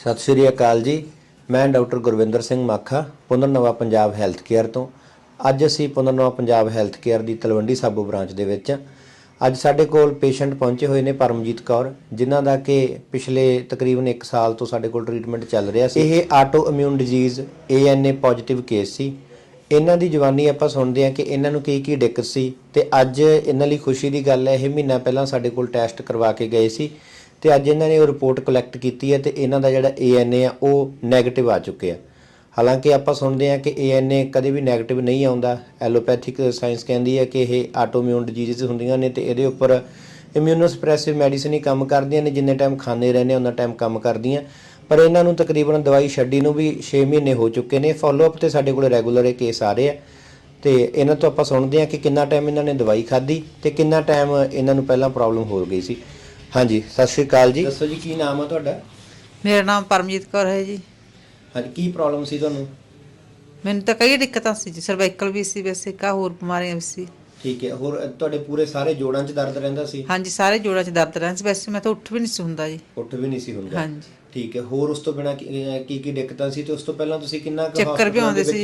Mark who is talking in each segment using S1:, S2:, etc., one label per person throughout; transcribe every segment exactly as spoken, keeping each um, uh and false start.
S1: सत श्री अकाल जी। मैं डॉक्टर गुरविंदर सिंह माखा पुनरनवा पंजाब हैल्थ केयर तो अज असी पुनरनवा पंजाब हैल्थ केयर की तलवंडी साबो ब्रांच दे विच अज साडे कोल पेशेंट पहुंचे हुए ने परमजीत कौर, जिन्हां दा कि पिछले तकरीबन एक साल तो साडे कोल ट्रीटमेंट चल रहा सी। इह auto immune disease A N A positive case सी। इन्हां दी जवानी आपां सुणदे हां कि इन्हां नूं की की दिक्कत सी ते अज इन्हां लई खुशी दी गल है, इह महीना पहलां साडे कोल टैसट करवा के गए सी ਤੇ ਅੱਜ ਇਹਨਾਂ ਨੇ ਉਹ ਰਿਪੋਰਟ ਕਲੈਕਟ ਕੀਤੀ ਹੈ ਤੇ ਇਹਨਾਂ ਦਾ ਜਿਹੜਾ ਏ ਐਨ ਏ ਆ ਉਹ ਨੈਗੇਟਿਵ ਆ ਚੁੱਕੇ ਆ। ਹਾਲਾਂਕਿ ਆਪਾਂ ਸੁਣਦੇ ਆ ਕਿ ਏ ਐਨ ਏ ਕਦੇ ਵੀ ਨੈਗੇਟਿਵ ਨਹੀਂ ਆਉਂਦਾ। ਐਲੋਪੈਥਿਕ ਸਾਇੰਸ ਕਹਿੰਦੀ ਹੈ ਕਿ ਇਹ ਆਟੋਇਮਿਊਨ ਡਿਜ਼ੀਜ਼ ਹੁੰਦੀਆਂ ਨੇ ਤੇ ਇਹਦੇ ਉੱਪਰ ਇਮਿਊਨੋਸਪ੍ਰੈਸਿਵ ਮੈਡੀਸਿਨ ਹੀ ਕੰਮ ਕਰਦੀਆਂ ਨੇ, ਜਿੰਨੇ ਟਾਈਮ ਖਾਂਦੇ ਰਹਿੰਦੇ ਉਹਨਾਂ ਟਾਈਮ ਕੰਮ ਕਰਦੀਆਂ। ਪਰ ਇਹਨਾਂ ਨੂੰ ਤਕਰੀਬਨ ਦਵਾਈ ਛੱਡੀ ਨੂੰ ਵੀ ਛੇ ਮਹੀਨੇ ਹੋ ਚੁੱਕੇ ਨੇ। ਫੋਲੋਅਪ ਤੇ ਸਾਡੇ ਕੋਲ ਰੈਗੂਲਰ ਇਹ ਕੇਸ ਆ ਰਹੇ ਆ ਤੇ ਇਹਨਾਂ ਤੋਂ ਆਪਾਂ ਸੁਣਦੇ ਆ ਕਿ ਕਿੰਨਾ ਟਾਈਮ ਇਹਨਾਂ ਨੇ ਦਵਾਈ ਖਾਧੀ ਤੇ ਕਿੰਨਾ ਟਾਈਮ ਇਹਨਾਂ ਨੂੰ ਪਹਿਲਾਂ ਪ੍ਰੋਬਲਮ ਹੋ ਗਈ ਸੀ। हाँ जी, सत श्री अकाल जी। दसो जी की नाम है तुहाडा?
S2: मेरा नाम परमजीत कौर है जी।
S1: हाँ जी, की प्रॉब्लम सी तुहानू?
S2: मैंने तो कई दिक्कतां सी जी, सर्वाइकल भी सी, वैसे का होर बीमारियां भी सी।
S1: ठीक है। होर तुहाडे पूरे सारे जोड़ां 'च दर्द रहिंदा सी?
S2: हाँ जी, सारे जोड़ां 'च दर्द रहिंदा सी। वैसे मैं तो उठ भी नहीं सी हुंदा जी।
S1: उठ भी नहीं सी हुंदा?
S2: हाँ जी।
S1: ठीक है। होर उस तो बिना की की दिक्कतां सी ते उस तो पहलां तुसीं किन्ना क
S2: चक्कर भी आउंदे सी।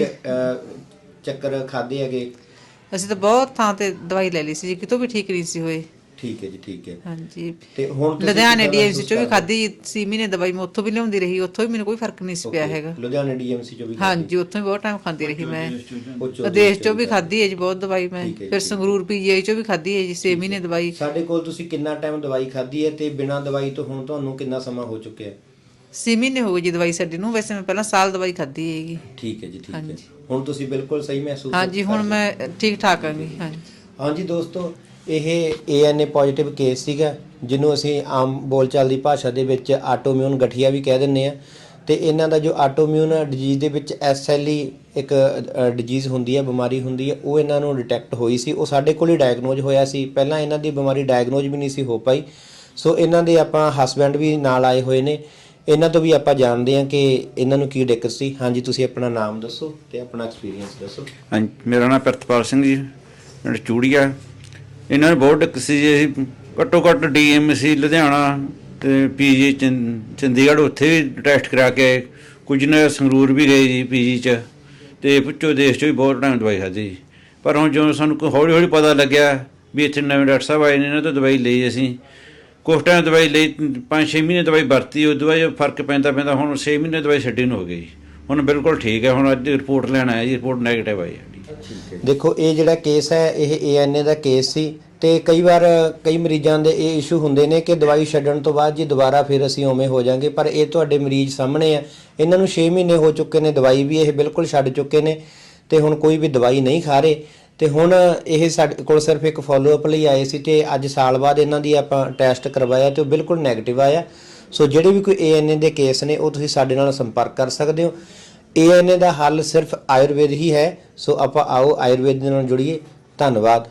S1: चक्कर खादे हैगे?
S2: ਅਸੀਂ ਤਾਂ ਬਹੁਤ ਥਾਂ ਤੇ ਦਵਾਈ ਲੈ ਲਈ ਸੀ ਜੀ, ਕਿਤੋਂ ਵੀ ਠੀਕ ਨਹੀਂ ਸੀ ਹੋਏ।
S1: ठीक है जी, ठीक है।
S2: हाँ जी।
S1: ਤੇ ਹੁਣ ਤੁਸੀਂ
S2: ਲੁਧਿਆਣੇ ਡੀਐਮਸੀ ਚੋਂ ਵੀ ਖਾਧੀ ਸੀ ਮਹੀਨੇ ਦਵਾਈ, ਮੈਂ ਉੱਥੋਂ ਵੀ ਲਿਆਉਂਦੀ ਰਹੀ, ਉੱਥੋਂ ਵੀ ਮੈਨੂੰ ਕੋਈ ਫਰਕ ਨਹੀਂ ਸੀ ਪਿਆ ਹੈਗਾ।
S1: ਲੁਧਿਆਣੇ ਡੀਐਮਸੀ ਚੋਂ ਵੀ?
S2: ਹਾਂ ਜੀ, ਉੱਥੋਂ ਵੀ ਬਹੁਤ ਟਾਈਮ ਖਾਂਦੀ ਰਹੀ ਮੈਂ। ਵਿਦੇਸ਼ ਚੋਂ ਵੀ ਖਾਧੀ ਹੈ ਜੀ ਬਹੁਤ ਦਵਾਈ ਮੈਂ। ਫਿਰ ਸੰਗਰੂਰ ਪੀਜੀਆਈ ਚੋਂ ਵੀ ਖਾਧੀ ਹੈ ਜੀ ਛੇ ਮਹੀਨੇ ਦਵਾਈ।
S1: ਸਾਡੇ ਕੋਲ ਤੁਸੀਂ ਕਿੰਨਾ ਟਾਈਮ ਦਵਾਈ ਖਾਧੀ ਹੈ ਤੇ ਬਿਨਾਂ ਦਵਾਈ ਤੋਂ ਹੁਣ ਤੁਹਾਨੂੰ ਕਿੰਨਾ ਸਮਾਂ ਹੋ ਚੁੱਕਿਆ?
S2: ਛੇ ਮਹੀਨੇ ਹੋ ਗਏ ਜੀ ਦਵਾਈ ਛੱਡੀ ਨੂੰ। ਵੈਸੇ ਮੈਂ ਪਹਿਲਾਂ ਸਾਲ ਦਵਾਈ ਖਾਧੀ ਹੈਗੀ।
S1: ਠੀਕ ਹੈ ਜੀ, ਠੀਕ ਹੈ। ਹੁਣ ਤੁਸੀਂ ਬਿਲਕੁਲ ਸਹੀ ਮਹਿਸੂਸ?
S2: ਹਾਂ ਜੀ, ਹੁਣ ਮੈਂ ਠੀਕ ਠਾਕ ਹਾਂ ਜੀ। ਹਾਂ ਜੀ।
S1: ਹਾਂ ਜੀ ਦੋਸਤੋ, ਇਹ ਏ ਐਨ ਏ ਪੋਜ਼ਿਟਿਵ ਕੇਸ ਸੀਗਾ, ਜਿਹਨੂੰ ਅਸੀਂ ਆਮ ਬੋਲਚਾਲ ਦੀ ਭਾਸ਼ਾ ਦੇ ਵਿੱਚ ਆਟੋਇਮਿਊਨ ਗਠੀਆ ਵੀ ਕਹਿ ਦਿੰਦੇ ਆ। ਤੇ ਇਹਨਾਂ ਦਾ ਜੋ ਆਟੋਇਮਿਊਨ ਡਿਜ਼ੀਜ਼ ਦੇ ਵਿੱਚ ਐਸ ਐਲ ਈ ਇੱਕ ਡਿਜ਼ੀਜ਼ ਹੁੰਦੀ ਹੈ, ਬਿਮਾਰੀ ਹੁੰਦੀ ਹੈ, ਉਹ ਇਹਨਾਂ ਨੂੰ ਡਿਟੈਕਟ ਹੋਈ ਸੀ। ਉਹ ਸਾਡੇ ਕੋਲ ਹੀ ਡਾਇਗਨੋਜ਼ ਹੋਇਆ ਸੀ। ਪਹਿਲਾਂ ਇਹਨਾਂ ਦੀ ਬਿਮਾਰੀ ਡਾਇਗਨੋਜ਼ ਵੀ ਨਹੀਂ ਸੀ ਹੋ ਪਾਈ। ਸੋ ਇਹਨਾਂ ਦੇ ਆਪਾਂ ਹਸਬੈਂਡ ਵੀ ਨਾਲ ਆਏ ਹੋਏ ਨੇ, ਇਹਨਾਂ ਤੋਂ ਵੀ ਆਪਾਂ ਜਾਣਦੇ ਹਾਂ ਕਿ ਇਹਨਾਂ ਨੂੰ ਕੀ ਦਿੱਕਤ ਸੀ। ਹਾਂਜੀ, ਤੁਸੀਂ ਆਪਣਾ ਨਾਮ ਦੱਸੋ ਤੇ ਆਪਣਾ ਐਕਸਪੀਰੀਅੰਸ ਦੱਸੋ।
S3: ਹਾਂਜੀ, ਮੇਰਾ ਨਾਮ ਪ੍ਰਿਤਪਾਲ ਸਿੰਘ ਜੀ, ਪਿੰਡ ਚੂੜੀਆ। ਇਹਨਾਂ ਨੂੰ ਬਹੁਤ ਦਿੱਕਤ ਸੀ ਜੀ। ਅਸੀਂ ਘੱਟੋ ਘੱਟ ਡੀ ਐਮ ਸੀ ਲੁਧਿਆਣਾ ਅਤੇ ਪੀ ਜੀ ਚੰਡੀਗੜ੍ਹ, ਉੱਥੇ ਵੀ ਟੈਸਟ ਕਰਾ ਕੇ ਆਏ। ਕੁਝ ਨੇ ਸੰਗਰੂਰ ਵੀ ਗਏ ਜੀ ਪੀ ਜੀ 'ਚ, ਅਤੇ ਵਿੱਚੋਂ ਦੇਸ਼ 'ਚ ਵੀ ਬਹੁਤ ਟਾਈਮ ਦਵਾਈ ਖਾਧੀ ਜੀ। ਪਰ ਹੁਣ ਜਦੋਂ ਸਾਨੂੰ ਕੋਈ ਹੌਲੀ ਹੌਲੀ ਪਤਾ ਲੱਗਿਆ ਵੀ ਇੱਥੇ ਨਵੇਂ ਡਾਕਟਰ ਸਾਹਿਬ ਆਏ ਨੇ, ਇਹਨਾਂ ਤੋਂ ਦਵਾਈ ਲਈ ਅਸੀਂ। ਕੁਛ ਟਾਈਮ ਦਵਾਈ ਲਈ, ਪੰਜ ਛੇ ਮਹੀਨੇ ਦਵਾਈ ਵਰਤੀ, ਉਸ ਦਵਾਈ ਫਰਕ ਪੈਂਦਾ ਪੈਂਦਾ ਹੁਣ ਛੇ ਮਹੀਨੇ ਦਵਾਈ ਛੱਡੀ ਨੂੰ ਹੋ ਗਈ। ਹੁਣ ਬਿਲਕੁਲ ਠੀਕ ਹੈ। ਹੁਣ ਅੱਜ ਰਿਪੋਰਟ ਲੈਣ ਆਇਆ ਜੀ, ਰਿਪੋਰਟ ਨੈਗੇਟਿਵ ਆਈ ਸਾਡੀ।
S1: ਦੇਖੋ, ਇਹ ਜਿਹੜਾ ਕੇਸ ਹੈ ਇਹ ਏ ਐਨ ਏ ਦਾ ਕੇਸ ਸੀ ਤੇ ਕਈ ਵਾਰ ਕਈ ਮਰੀਜ਼ਾਂ ਦੇ ਇਹ ਇਸ਼ੂ ਹੁੰਦੇ ਨੇ ਕਿ ਦਵਾਈ ਛੱਡਣ ਤੋਂ ਬਾਅਦ ਜੀ ਦੁਬਾਰਾ ਫਿਰ ਅਸੀਂ ਉਵੇਂ ਹੋ ਜਾਾਂਗੇ। ਪਰ ਇਹ ਤੁਹਾਡੇ ਮਰੀਜ਼ ਸਾਹਮਣੇ ਆ, ਇਹਨਾਂ ਨੂੰ ਛੇ ਮਹੀਨੇ ਹੋ ਚੁੱਕੇ ਨੇ, ਦਵਾਈ ਵੀ ਇਹ ਬਿਲਕੁਲ ਛੱਡ ਚੁੱਕੇ ਨੇ ਤੇ ਹੁਣ ਕੋਈ ਵੀ ਦਵਾਈ ਨਹੀਂ ਖਾ ਰਹੇ। ਤੇ ਹੁਣ ਇਹ ਸਾਡੇ ਕੋਲ ਸਿਰਫ ਇੱਕ ਫੋਲੋਅਪ ਲਈ ਆਏ ਸੀ ਤੇ ਅੱਜ ਸਾਲ ਬਾਅਦ ਇਹਨਾਂ ਦੀ ਆਪਾਂ ਟੈਸਟ ਕਰਵਾਇਆ ਤੇ ਉਹ ਬਿਲਕੁਲ ਨੈਗੇਟਿਵ ਆਇਆ। ਸੋ ਜਿਹੜੇ ਵੀ ਕੋਈ ਏ ਐਨ ਏ ਦੇ ਕੇਸ ਨੇ ਉਹ ਤੁਸੀਂ ਸਾਡੇ ਨਾਲ ਸੰਪਰਕ ਕਰ ਸਕਦੇ ਹੋ। ਏ ਐਨ ਏ ਦਾ ਹੱਲ ਸਿਰਫ ਆਯੁਰਵੇਦ ਹੀ ਹੈ। ਸੋ ਆਪਾਂ ਆਓ ਆਯੁਰਵੇਦ ਦੇ ਨਾਲ ਜੁੜੀਏ। ਧੰਨਵਾਦ।